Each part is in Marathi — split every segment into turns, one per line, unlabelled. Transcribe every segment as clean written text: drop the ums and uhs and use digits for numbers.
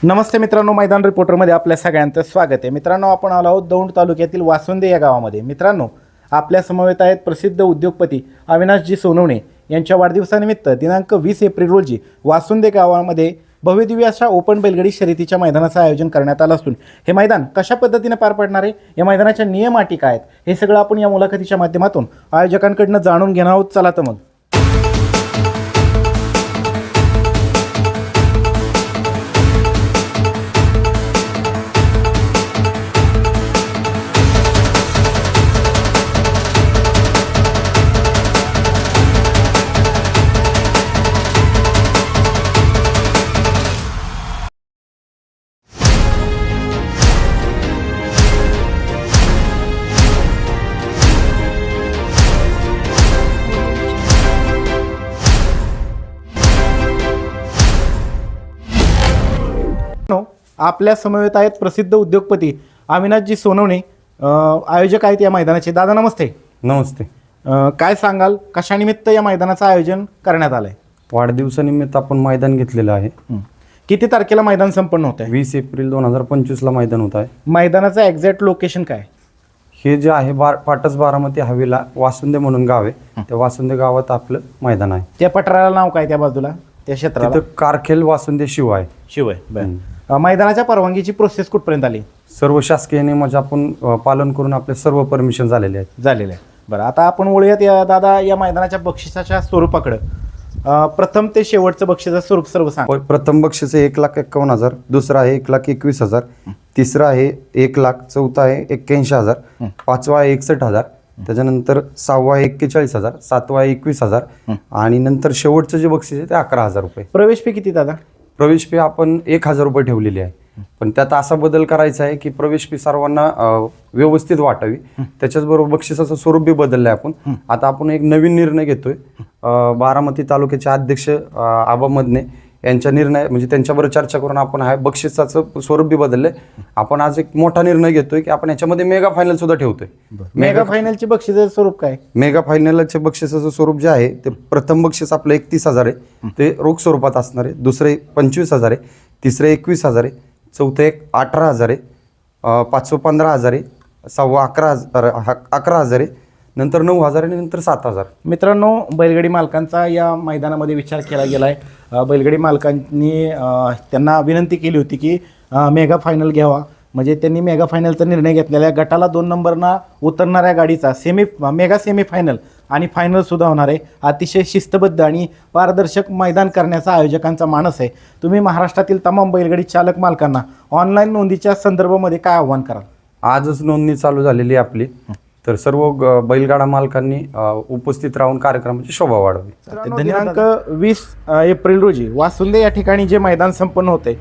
नमस्ते मित्रांनो, मैदान रिपोर्टरमध्ये आपल्या सगळ्यांचं स्वागत आहे. मित्रांनो, आपण आलो आहोत दौंड तालुक्यातील वासुंदे या गावामध्ये. मित्रांनो, आपल्या समवेत आहेत प्रसिद्ध उद्योगपती अविनाशजी सोनवणे यांच्या वाढदिवसानिमित्त दिनांक 20 एप्रिल रोजी वासुंदे गावामध्ये भव्यदिव्य अशा ओपन बैलगाडी शर्यतीच्या मैदानाचं आयोजन करण्यात आलं असून हे मैदान कशा पद्धतीने पार पडणार आहे, या मैदानाच्या नियम अटी काय आहेत, हे सगळं आपण या मुलाखतीच्या माध्यमातून आयोजकांकडून जाणून घेणार आहोत. चला तर मग. आपल्या समवेत आहेत प्रसिद्ध उद्योगपती अविनाशजी सोनवणे, आयोजक आहेत या मैदानाचे. दादा नमस्ते.
नमस्ते.
काय सांगाल, कशानिमित्त या मैदानाचं आयोजन करण्यात आलंय?
वाढदिवसानिमित्त आपण मैदान घेतलेलं आहे.
किती तारखेला मैदान संपन्न होत आहे?
20 एप्रिल 2025 ला मैदान होत आहे.
मैदानाचं एक्झॅक्ट लोकेशन काय?
हे जे आहे पाटस बारामती हवेला वासुंदे म्हणून गाव आहे, त्या वासुंदे गावात आपलं मैदान आहे.
त्या पठाराला नाव काय, त्या बाजूला त्या क्षेत्राला?
तिथं कारखेल वासुंदे शिव आहे.
शिव आहे. मैदानाच्या परवानगीची प्रोसेस कुठपर्यंत आली?
सर्व शासकीय नियमाचे आपण पालन करून आपले सर्व परमिशन झालेले आहेत.
झालेले आहे. बरं, आता आपण वळूयात या दादा या मैदानाच्या बक्षिसाच्या स्वरूपाकडं. प्रथम ते शेवटचं बक्षिसाचं स्वरूप सर्व सांग.
प्रथम बक्षीस आहे 1,51,000, दुसरा आहे 1,21,000, तिसरा आहे 1,00,000, चौथा आहे 81,000, पाचवा आहे 61,000, त्याच्यानंतर सहावा आहे 41,000, सातवा आहे 21,000 आणि नंतर शेवटचं जे बक्षीस आहे ते 11,000 रुपये.
प्रवेश फी किती दादा?
प्रवेश फी आपण 1,000 रुपये ठेवलेली आहे, पण त्यात असा बदल करायचा आहे की प्रवेश फी सर्वांना व्यवस्थित वाटावी. त्याच्याचबरोबर बक्षिसाचं स्वरूप बी बदललं आहे आपण. आता आपण एक नवीन निर्णय घेतोय. बारामती तालुक्याचे अध्यक्ष आबा मदने यांच्या निर्णय म्हणजे त्यांच्याबरोबर चर्चा करून आपण हा बक्षिसाचं स्वरूप बी बदललंय. आपण आज एक मोठा निर्णय घेतोय की आपण याच्यामध्ये मेगा फायनल सुद्धा ठेवतोय.
मेगा फायनलचे बक्षिसाचं स्वरूप काय?
मेगा फायनलचे बक्षिसाचं स्वरूप जे आहे ते प्रथम बक्षीस आपलं 31,000 आहे, ते रोख स्वरूपात असणार आहे. दुसरे 25,000 आहे, तिसरे 21,000 आहे, चौथे 18,000 आहे, पाचवं 15,000 आहे, सहावं 11,000 आहे, नंतर 9,000 आणि नंतर 7,000.
मित्रांनो, बैलगाडी मालकांचा या मैदानामध्ये विचार केला गेला आहे. बैलगाडी मालकांनी त्यांना विनंती केली होती की मेगा फायनल घ्यावा. म्हणजे त्यांनी मेगा फायनलचा निर्णय घेतलेला आहे. गटाला 2 नंबरना उतरणाऱ्या गाडीचा मेगा सेमी फायनल आणि फायनलसुद्धा होणार आहे. अतिशय शिस्तबद्ध आणि पारदर्शक मैदान करण्याचा आयोजकांचा मानस आहे. तुम्ही महाराष्ट्रातील तमाम बैलगाडी चालक मालकांना ऑनलाईन नोंदीच्या संदर्भामध्ये काय आव्हान कराल?
आजच नोंदणी चालू झालेली आहे आपली, तर सर्व बैलगाडा मालकांनी उपस्थित राहून कार्यक्रमाची शोभा वाढवी.
दिनांक 20 एप्रिल रोजी वासुंदे या ठिकाणी जे मैदान संपन्न होते,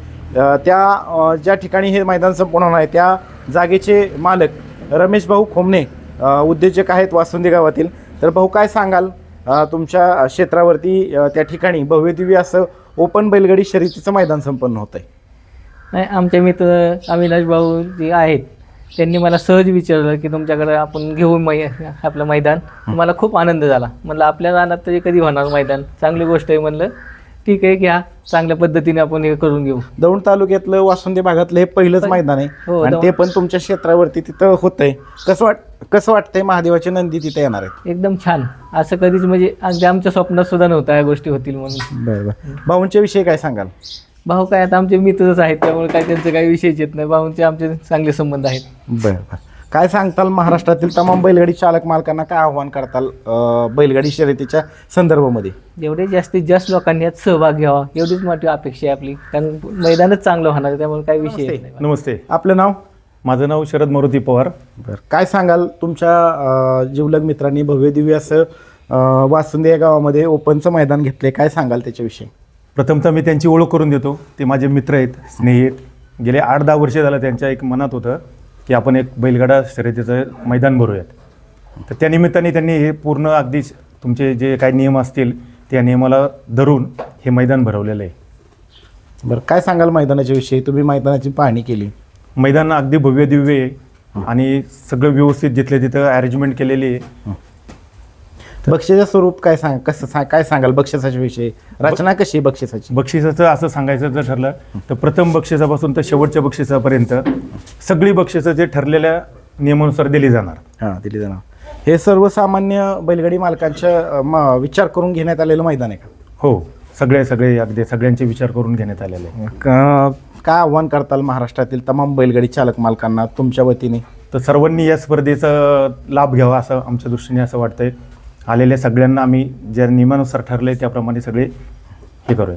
त्या ज्या ठिकाणी हे मैदान संपन्न होणार आहे त्या जागेचे मालक रमेश भाऊ खोमणे उद्योजक आहेत वासुंदे गावातील. तर भाऊ, काय सांगाल, तुमच्या क्षेत्रावरती त्या ठिकाणी भव्यदिव्य असं ओपन बैलगाडी शर्यतीचं मैदान संपन्न होत आहे?
नाही, आमचे मित्र अविनाश भाऊ जे आहेत त्यांनी मला सहज विचारलं की तुमच्याकडे आपण घेऊ आपलं मैदान. मला खूप आनंद झाला. म्हणलं आपल्या रानात तरी कधी होणार मैदान, चांगली गोष्ट आहे. म्हणलं ठीक आहे, घ्या, चांगल्या पद्धतीने आपण हे करून घेऊ.
दौंड तालुक्यातलं वासुंदे भागातलं हे पहिलंच मैदान आहे.
हो,
आणि ते पण तुमच्या क्षेत्रावरती तिथं होतंय. कसं वाटतंय महादेवाची नंदी तिथे येणार आहेत?
एकदम छान. असं कधीच म्हणजे अगदी आमच्या स्वप्नात सुद्धा नव्हतं या गोष्टी होतील म्हणून.
बरं. भाऊंच्या विषयी काय सांगाल?
भाऊ काय आता आमचे मित्रच आहेत, त्यामुळे काय त्यांचं काही विषयच येत नाही. भाऊंचे आमचे चांगले संबंध आहेत.
बरं. काय सांगताल, महाराष्ट्रातील तमाम बैलगाडी चालक मालकांना काय आव्हान करताल बैलगाडी शर्यतीच्या संदर्भामध्ये?
जेवढे जास्तीत जास्त लोकांनी यात सहभाग घ्यावा एवढीच मोठी अपेक्षा आहे आपली, कारण मैदानच चांगलं होणार आहे, त्यामुळे काही विषय येत नाही.
नमस्ते,
आपलं नाव?
माझं नाव शरद मारुती पवार.
बरं. काय सांगाल, तुमच्या जिवलग मित्रांनी भव्यदिव्य असं वासुंदे या गावामध्ये ओपनचं मैदान घेतले, काय सांगाल त्याच्याविषयी?
प्रथमतः मी त्यांची ओळख करून देतो. ते माझे मित्र आहेत, स्नेही आहेत. गेले 8-10 वर्ष झालं त्यांच्या एक मनात होतं की आपण एक बैलगाडा शर्यतीचं मैदान भरूयात. तर त्या निमित्ताने त्यांनी हे पूर्ण अगदी तुमचे जे काही नियम असतील त्या नियमाला धरून हे मैदान भरवलेलं आहे.
बरं, काय सांगाल मैदानाच्या विषयी? तुम्ही मैदानाची पाहणी केली.
मैदान अगदी भव्य दिव्य आहे आणि सगळं व्यवस्थित जिथल्या तिथं अरेंजमेंट केलेली आहे.
बक्षिसाचं स्वरूप काय काय सांगाल बक्षिसाच्या विषयी, रचना कशी आहे बक्षिसाची?
बक्षिसाचं असं सांगायचं जर ठरलं तर प्रथम बक्षिसापासून तर शेवटच्या बक्षिसापर्यंत सगळी बक्षिसं जे ठरलेल्या नियमानुसार दिली जाणार.
हां, दिली जाणार. हे सर्वसामान्य बैलगाडी मालकांच्या विचार करून घेण्यात आलेलं मैदान आहे का?
हो, सगळे अगदी सगळ्यांचे विचार करून घेण्यात आलेले आहे.
काय आव्हान करताल महाराष्ट्रातील तमाम बैलगाडी चालक मालकांना तुमच्या वतीने?
तर सर्वांनी या स्पर्धेचा लाभ घ्यावा असं आमच्या दृष्टीने असं वाटतंय. आलेल्या सगळ्यांना आम्ही ज्या नियमानुसार ठरले त्याप्रमाणे सगळे हे करूया.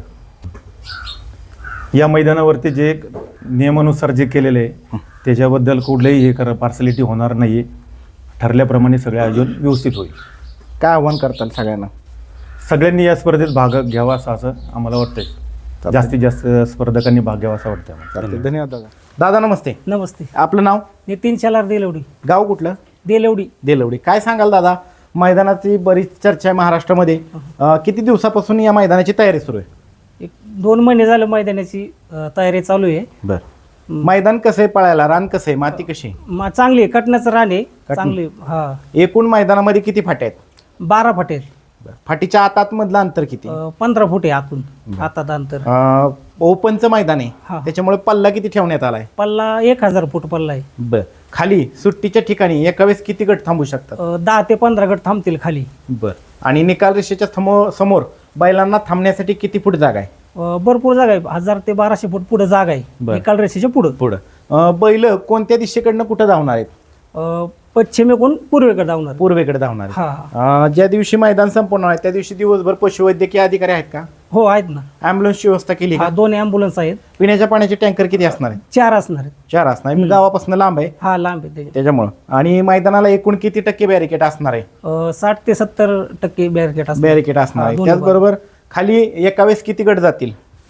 या मैदानावरती जे नियमानुसार जे केलेलं आहे त्याच्याबद्दल कुठलंही पार्सलिटी होणार नाही आहे. ठरल्याप्रमाणे सगळे आयोजन व्यवस्थित होईल.
काय आव्हान करताल सगळ्यांना?
सगळ्यांनी या स्पर्धेत भाग घ्यावा असं आम्हाला वाटतंय. जास्तीत जास्त स्पर्धकांनी भाग घ्यावा असं वाटतं आम्हाला.
चालतंय, धन्यवाद दादा. दादा नमस्ते.
नमस्ते.
आपलं नाव?
नितीन शेलार देलवडी.
गाव कुठलं?
देलवडी.
देलवडी. काय सांगाल दादा, मैदानाची बरीच चर्चा आहे महाराष्ट्रामध्ये. किती दिवसापासून या मैदानाची तयारी सुरू आहे?
एक 2 महिने झालं मैदानाची तयारी चालू आहे.
बरं. मैदान कसं आहे पळायला? रान कसं आहे? माती कशी आहे?
चांगली आहे, कटण्याचं रान आहे चांगली. हा,
एकूण मैदानामध्ये किती फाट्या आहेत?
12 फूट आहेत.
फाटीच्या आतामधलं अंतर किती?
15 फूट आहे आतून आतात अंतर.
ओपनचं मैदान आहे
हा.
त्याच्यामुळे पल्ला किती ठेवण्यात आलाय?
पल्ला 1000 फूट पल्ला आहे.
बर. खाली सुट्टीच्या ठिकाणी एका वेळेस किती गट थांबू शकतात?
10 ते 15 गट थांबतील खाली.
बर. आणि निकाल रेषेच्या समोर बैलांना थांबण्यासाठी किती फूट जागा आहे?
भरपूर जागा आहे. 1000 ते 1200 फूट पुढे जागा आहे.
बरं.
निकाल रेषेच्या पुढे.
बैल कोणत्या दिशेकडनं कुठं धावणार आहेत?
पश्चिमेकडून पूर्वेकडे जाणार.
पूर्वेकडे धावणार आहेत.
हा.
ज्या दिवशी मैदान संपन्न आहे त्या दिवशी दिवसभर पशुवैद्यकीय अधिकारी आहेत का?
हो, आहेत ना.
ॲम्ब्युलन्सची व्यवस्था केली का?
2 ॲम्ब्युलन्स आहेत.
पिण्याच्या पाण्याचे टँकर किती असणार आहेत?
4 असणार आहेत.
4 असणार. मी गावापासून लांब आहे
हा, लांब आहे
त्याच्यामुळं. आणि मैदानाला एकूण किती टक्के बॅरिकेड असणार आहे?
60 ते 70% बॅरिकेड असणार.
बॅरिकेड असणार आहे.
दोन्ही
त्याचबरोबर खाली एका वेळेस किती गट जातील?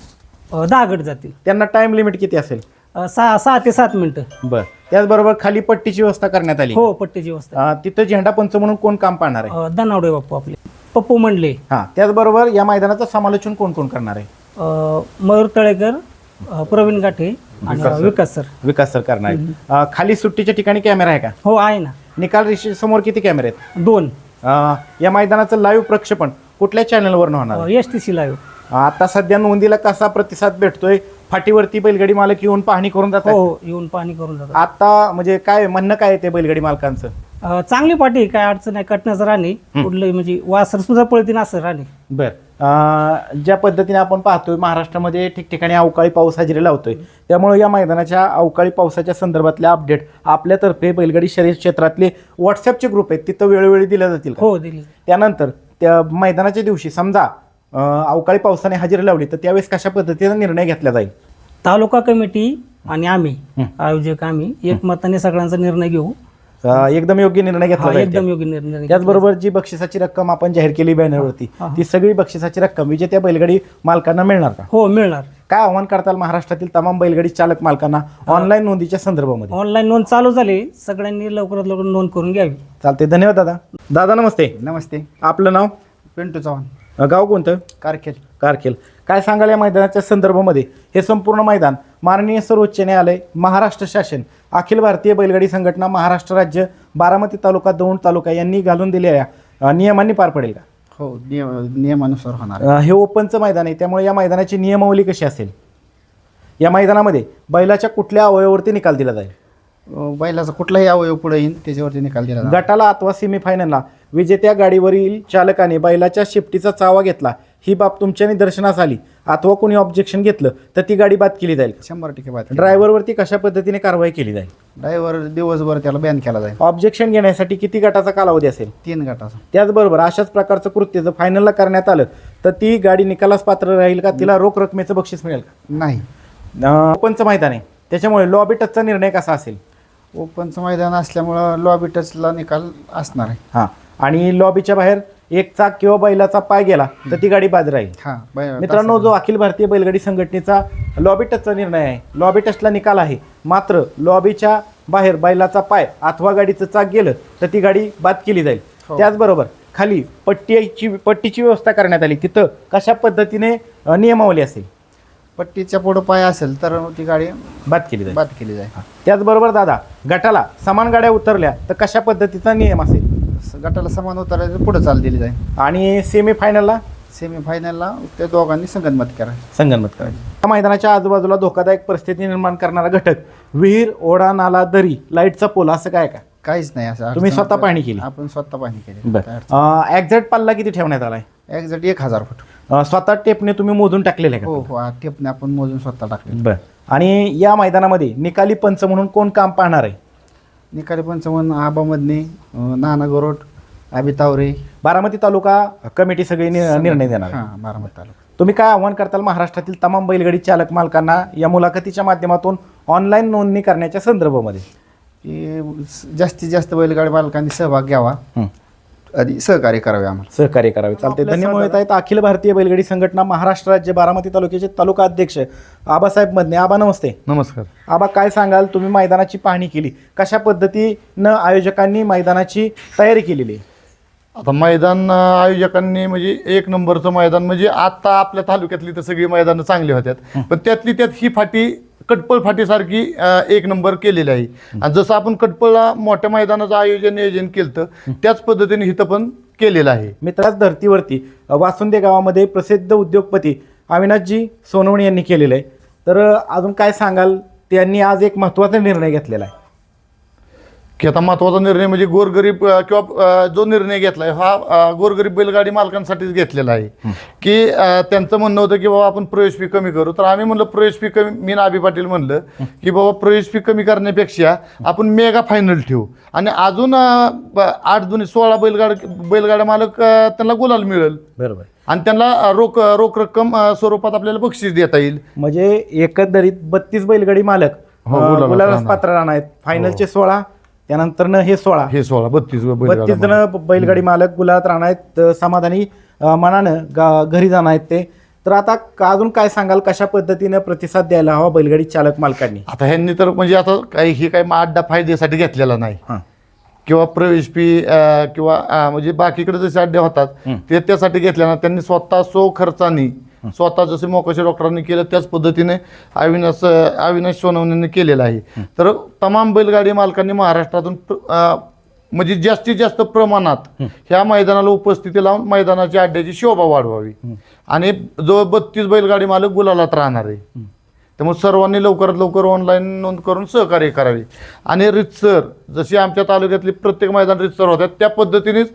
10 गट जातील.
त्यांना टाइम लिमिट किती असेल?
6 ते 7 मिनिटं.
बर. त्याचबरोबर खाली पट्टीची व्यवस्था करण्यात आली.
हो, पट्टीची व्यवस्था.
तिथं झेंडा पंच म्हणून कोण काम पाहणार आहे?
दनावडे बाप्पू आपले पप्पू म्हणले.
हा. त्याचबरोबर या मैदानाचं समालोचन कोण कोण करणार आहे?
मयूर तळेकर, प्रवीण गाठे आणि विकास सर.
विकास सर करणार आहे. खाली सुट्टीच्या ठिकाणी कॅमेरा आहे का?
हो, आहे ना.
निकाल रेषेसमोर किती कॅमेरे आहेत?
2.
या मैदानाचं लाईव्ह प्रक्षेपण कुठल्या चॅनलवर होणार आहे?
STC live.
आता सध्या नोंदीला कसा प्रतिसाद भेटतोय? फाटीवरती बैलगाडी मालक येऊन पाहणी करून जातात?
हो, येऊन पाहणी करून जातात.
आता म्हणजे काय म्हणणं काय ते बैलगाडी मालकांचं?
चांगली पाठी आहे, काय अडचण आहे. कटण्याचं राणे कुठलंही म्हणजे वासर सुद्धा पळतीन असं राणे.
बर. ज्या पद्धतीने आपण पाहतोय महाराष्ट्रामध्ये ठिकठिकाणी अवकाळी पाऊस हजेरी लावतोय, त्यामुळे या मैदानाच्या अवकाळी पावसाच्या संदर्भातल्या अपडेट आपल्यातर्फे बैलगाडी शर्यत क्षेत्रातले व्हॉट्सअपचे ग्रुप आहेत तिथं वेळोवेळी दिल्या जातील का?
हो, दिली.
त्यानंतर त्या मैदानाच्या दिवशी समजा अवकाळी पावसाने हजेरी लावली तर त्यावेळेस कशा पद्धतीने निर्णय घेतला जाईल?
तालुका कमिटी आणि आम्ही आयोजक आम्ही एकमताने सगळ्यांचा निर्णय घेऊ.
एकदम योग्य निर्णय घेतला जाईल.
एकदम योग्य निर्णय.
त्याचबरोबर जी बक्षिसाची रक्कम आपण जाहीर केली बॅनरवरती ती सगळी बक्षिसाची रक्कम विजेत्या बैलगाडी मालकांना मिळणार का?
हो, मिळणार.
काय आव्हान करताल महाराष्ट्रातील तमाम बैलगाडी चालक मालकांना ऑनलाईन नोंदीच्या संदर्भामध्ये?
ऑनलाईन नोंद चालू झाली, सगळ्यांनी लवकरात लवकर नोंद करून घ्यावी.
चालते, धन्यवाद दादा. दादा नमस्ते.
नमस्ते.
आपलं नाव?
पिंटू चव्हाण.
गाव कोणतं?
कारखेल.
कारखेल. काय सांगाल या मैदानाच्या संदर्भामध्ये? हे संपूर्ण मैदान माननीय सर्वोच्च न्यायालय, महाराष्ट्र शासन, अखिल भारतीय बैलगाडी संघटना, महाराष्ट्र राज्य, बारामती तालुका, दौंड तालुका यांनी घालून दिलेल्या नियमांनी पार पडेल का?
हो, नियमानुसार होणार.
हे ओपनचं मैदान आहे त्यामुळे या मैदानाची नियमावली कशी असेल? या मैदानामध्ये बैलाच्या कुठल्या अवयवावरती निकाल दिला जाईल?
बैलाचा कुठलाही अवयव पुढे येईल त्याच्यावरती निकाल दिला जाणार.
गटाला अथवा सेमीफायनलला विजेत्या गाडीवरील चालकाने बैलाच्या शेपटीचा चावा घेतला, ही बाब तुमच्या निदर्शनास आली अथवा कोणी ऑब्जेक्शन घेतलं तर ती गाडी बाद केली जाईल.
100% बाद.
ड्रायव्हरवरती कशा पद्धतीने कारवाई केली जाईल?
ड्रायव्हर दिवसभर त्याला बॅन केला जाईल.
ऑब्जेक्शन घेण्यासाठी किती गटाचा कालावधी असेल?
3 गटाचा.
त्याचबरोबर अशाच प्रकारचं कृत्य जर फायनलला करण्यात आलं तर ती गाडी निकालास पात्र राहील का? तिला रोख रकमेचं बक्षीस मिळेल का?
नाही.
ओपनचं मैदान आहे त्याच्यामुळे लॉबी टचचा निर्णय कसा असेल?
ओपनचं मैदान असल्यामुळं लॉबी टचला निकाल असणार आहे.
हां. आणि लॉबीच्या बाहेर एक चाक किंवा बैलाचा पाय गेला तर ती गाडी बाद राहील.
हां.
मित्रांनो, जो अखिल भारतीय बैलगाडी संघटनेचा लॉबी टचचा निर्णय आहे, लॉबी टचला निकाल आहे, मात्र लॉबीच्या बाहेर बैलाचा पाय अथवा गाडीचं चाक गेलं तर ती गाडी बाद केली जाईल. त्याचबरोबर खाली पट्टीची व्यवस्था करण्यात आली, तिथं कशा पद्धतीने नियमावली असेल?
पट्टीच्या पुढं पाय असेल तर ती गाडी
बाद केली जाईल.
बाद केली जाईल.
त्याचबरोबर दादा, गटाला समान गाड्या उतरल्या तर कशा पद्धतीचा नियम असेल?
गटाला समान उतरायचं पुढे चाल दिली जाईल.
आणि सेमीफायनलला
सेमीफायनलला त्या दोघांनी संगनमत करायचं.
संगनमत करायचं. या मैदानाच्या आजूबाजूला धोकादायक परिस्थिती निर्माण करणारा घटक विहीर, ओढा, नाला, दरी, लाईटचा पोल असं काय का?
काहीच नाही असं
तुम्ही
अडचण
स्वतः पाहणी केली?
आपण स्वतः पाहणी केली.
बरं. एक्झॅक्ट पल्ला किती ठेवण्यात आलाय?
Exact 1000 foot.
स्वतः टेपने तुम्ही मोजून टाकलेले आहे
हो
का?
हो हा टेपने आपण मोजून स्वतः टाकले.
बरं. आणि या मैदानामध्ये निकाली पंच म्हणून कोण काम पाहणार आहे?
निकाली पंचावन्न आबा मधने, नाना गोरोट, आबी तावरे.
बारामती तालुका कमिटी सगळी निर्णय देणार आहे.
हां, बारामती तालुका.
तुम्ही काय आव्हान करताल महाराष्ट्रातील तमाम बैलगाडी चालक मालकांना या मुलाखतीच्या माध्यमातून ऑनलाईन नोंदणी करण्याच्या संदर्भामध्ये?
की जास्तीत जास्त बैलगाडी मालकांनी सहभाग घ्यावा आणि सहकार्य करावे आम्हाला.
सहकार्य करावे. चालते. धन्यवाद. आहेत अखिल भारतीय बैलगाडी संघटना महाराष्ट्र राज्य बारामती तालुक्याचे तालुका अध्यक्ष आबासाहेब मदने. आबा नमस्ते.
नमस्कार.
आबा काय सांगाल, तुम्ही मैदानाची पाहणी केली, कशा पद्धतीनं आयोजकांनी मैदानाची तयारी केलेली आहे?
आता मैदान आयोजकांनी म्हणजे एक नंबरचं मैदान, म्हणजे आता आपल्या तालुक्यातली तर सगळी मैदानं चांगली होत्यात, पण त्यातली त्यात ही फाटी कटपळ फाटीसारखी एक नंबर केलेली आहे. आणि जसं आपण कटपळला मोठ्या मैदानाचं नियोजन केलं त्याच पद्धतीने इथं पण केलेलं आहे.
मित्राच धर्तीवरती वासुंदे गावामध्ये प्रसिद्ध उद्योगपती अविनाशजी सोनवणे यांनी केलेलं आहे. तर अजून काय सांगाल, त्यांनी आज एक महत्त्वाचा निर्णय घेतलेला आहे
की आता महत्त्वाचा निर्णय म्हणजे गोरगरीब किंवा जो निर्णय घेतला आहे हा गोरगरीब बैलगाडी मालकांसाठीच घेतलेला आहे. की त्यांचं म्हणणं होतं की बाबा आपण प्रवेश फी कमी करू, तर आम्ही म्हणलं प्रवेश फी कमी, मी नाबी पाटील म्हणलं की बाबा प्रवेश फी कमी करण्यापेक्षा आपण मेगा फायनल ठेवू आणि अजून 8-16 बैलगाड्या मालक त्यांना गुलाल मिळेल.
बरोबर.
आणि त्यांना रोख रक्कम स्वरूपात आपल्याला बक्षीस देता येईल.
म्हणजे एकंदरीत 32 बैलगाडी मालक गुलालास पात्र राहणार आहेत. फायनलचे 16, त्यानंतर हे 16,
हे 16 32
जण बैलगाडी मालक गुलालात राहणार आहेत. समाधानी मनानं घरी जाणार आहेत ते. तर आता अजून काय सांगाल, कशा पद्धतीनं प्रतिसाद द्यायला हवा बैलगाडी चालक मालकांनी?
आता ह्यांनी तर म्हणजे आता काही अड्डा फायद्यासाठी घेतलेला नाही किंवा प्रवेश फी किंवा म्हणजे बाकीकडे जसे अड्डे होतात ते त्यासाठी घेतले ना. त्यांनी स्वतः खर्चानी स्वतः जसे मोकाशी डॉक्टरांनी केलं त्याच पद्धतीने अविनाश सोनवणेंनी केलेलं आहे. तर तमाम बैलगाडी मालकांनी महाराष्ट्रातून म्हणजे जास्तीत जास्त प्रमाणात ह्या मैदानाला उपस्थिती लावून मैदानाच्या अड्ड्याची शोभा वाढवावी आणि जो 32 बैलगाडी मालक गुलालात राहणार आहे. त्यामुळे सर्वांनी लवकरात लवकर ऑनलाईन नोंद करून सहकार्य करावे. आणि रितसर जशी आमच्या तालुक्यातली प्रत्येक मैदान रितसर होतात त्या पद्धतीनेच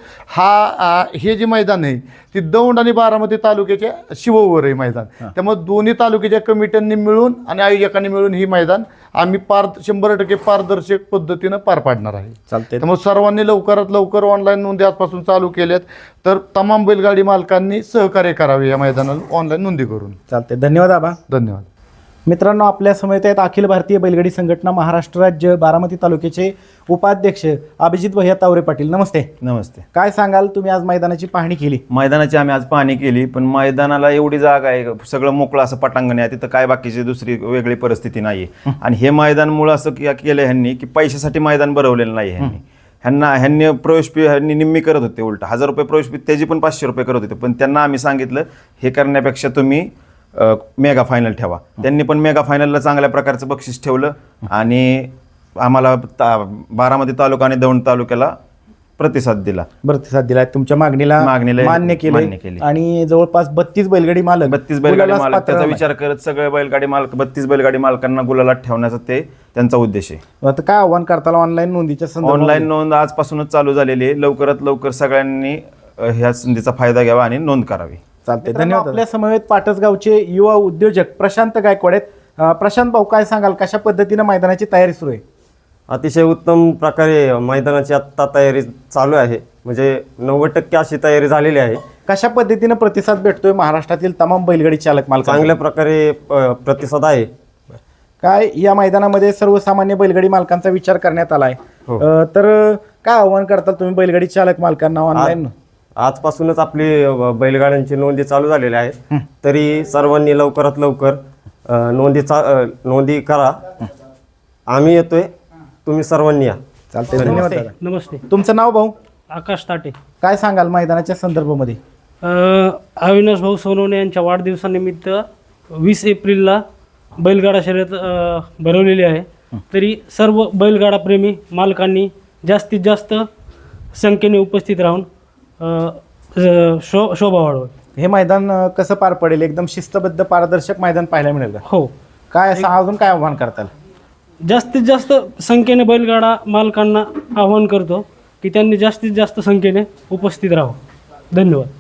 हे जे मैदान आहे ती दौंड आणि बारामती तालुक्याच्या शिववर आहे मैदान. त्यामुळे दोन्ही तालुक्याच्या कमिट्यांनी मिळून आणि आयोजकांनी मिळून ही मैदान आम्ही 100% पारदर्शक पद्धतीनं पार पाडणार आहे.
चालते.
त्यामुळे सर्वांनी लवकरात लवकर ऑनलाईन नोंदी आजपासून चालू केल्यात, तर तमाम बैलगाडी मालकांनी सहकार्य करावे या मैदानाला ऑनलाईन नोंदी करून.
चालते. धन्यवाद आबा.
धन्यवाद.
मित्रांनो, आपल्या समवेत आहेत अखिल भारतीय बैलगाडी संघटना महाराष्ट्र राज्य बारामती तालुक्याचे उपाध्यक्ष अभिजित भैया तावरे पाटील. नमस्ते.
नमस्ते.
काय सांगाल, तुम्ही आज मैदानाची पाहणी केली?
मैदानाची आम्ही आज पाहणी केली, पण मैदानाला एवढी जागा आहे, सगळं मोकळं असं पटांगण आहे, तिथं काय बाकीची दुसरी वेगळी परिस्थिती नाही आहे. आणि हे मैदान मुळं असं केलं ह्यांनी की पैशासाठी मैदान भरवलेलं नाही. ह्यांनी प्रवेश फी ह्यांनी निम्मी करत होते, उलट 1000 रुपये प्रवेश फी त्याची पण 500 रुपये करत होते. पण त्यांना आम्ही सांगितलं हे करण्यापेक्षा तुम्ही मेगा फायनल ठेवा. त्यांनी पण मेगा फायनलला चांगल्या प्रकारचं बक्षीस ठेवलं आणि आम्हाला बारामती तालुका आणि दौंड तालुक्याला प्रतिसाद दिला.
तुमच्या मागणीला मान्य केले. आणि जवळपास 32 बैलगाडी मालक
32 बैलगाडी मालक त्याचा विचार करत सगळे बैलगाडी मालक 32 बैलगाडी मालकांना गुलालात ठेवण्याचा ते त्यांचा उद्देश आहे.
आता काय आव्हान करताल ऑनलाईन नोंदीच्या संदर्भात?
ऑनलाईन नोंद आजपासूनच चालू झालेली आहे. लवकरात लवकर सगळ्यांनी ह्या संधीचा फायदा घ्यावा आणि नोंद करावी.
चालते. धन्यवाद. आपल्या समवेत पाटसगावचे युवा उद्योजक प्रशांत गायकवाड आहेत. प्रशांत भाऊ, काय सांगाल, कशा पद्धतीनं मैदानाची तयारी सुरू आहे?
अतिशय उत्तम प्रकारे मैदानाची आत्ता तयारी चालू आहे, म्हणजे 90% अशी तयारी झालेली आहे.
कशा पद्धतीनं प्रतिसाद भेटतोय महाराष्ट्रातील तमाम बैलगाडी चालक मालक?
चांगल्या प्रकारे प्रतिसाद आहे.
काय या मैदानामध्ये सर्वसामान्य बैलगाडी मालकांचा विचार करण्यात आलाय, तर काय आव्हान करताल तुम्ही बैलगाडी चालक मालकांना ऑनलाईन?
आजपासूनच आपली बैलगाड्यांची नोंदी चालू झालेल्या आहेत, तरी सर्वांनी लवकरात लवकर नोंदी करा. आम्ही येतोय, तुम्ही सर्वांनी या.
चालते. धन्यवाद.
नमस्ते.
तुमचं नाव भाऊ?
आकाश ताटे.
काय सांगाल मैदानाच्या संदर्भामध्ये?
अविनाश भाऊ सोनवणे यांच्या वाढदिवसानिमित्त 20 एप्रिलला बैलगाडा शर्यत भरवलेली आहे. तरी सर्व बैलगाडा प्रेमी मालकांनी जास्तीत जास्त संख्येने उपस्थित राहून शोभा वाढवत.
हे मैदान कसं पार पडेल? एकदम शिस्तबद्ध पारदर्शक मैदान पाहायला मिळेल का?
हो,
काय असं अजून काय आव्हान करताल?
जास्तीत जास्त संख्येने बैलगाडा मालकांना आवाहन करतो की त्यांनी जास्तीत जास्त संख्येने उपस्थित राहावं. धन्यवाद.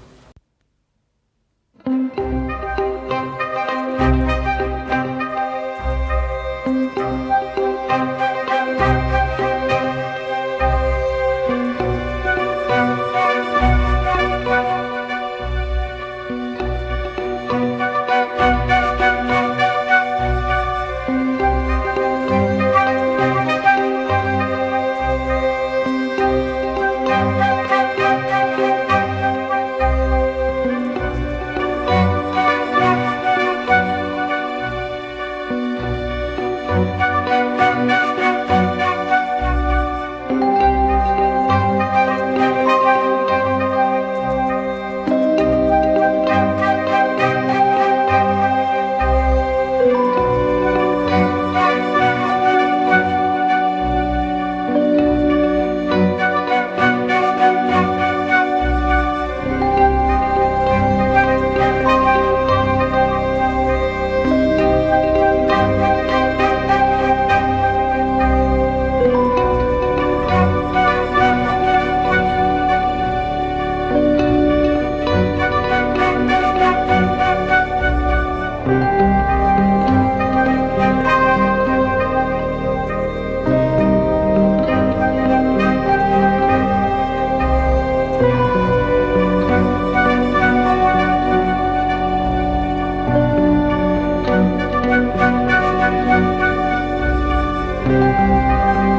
Thank you.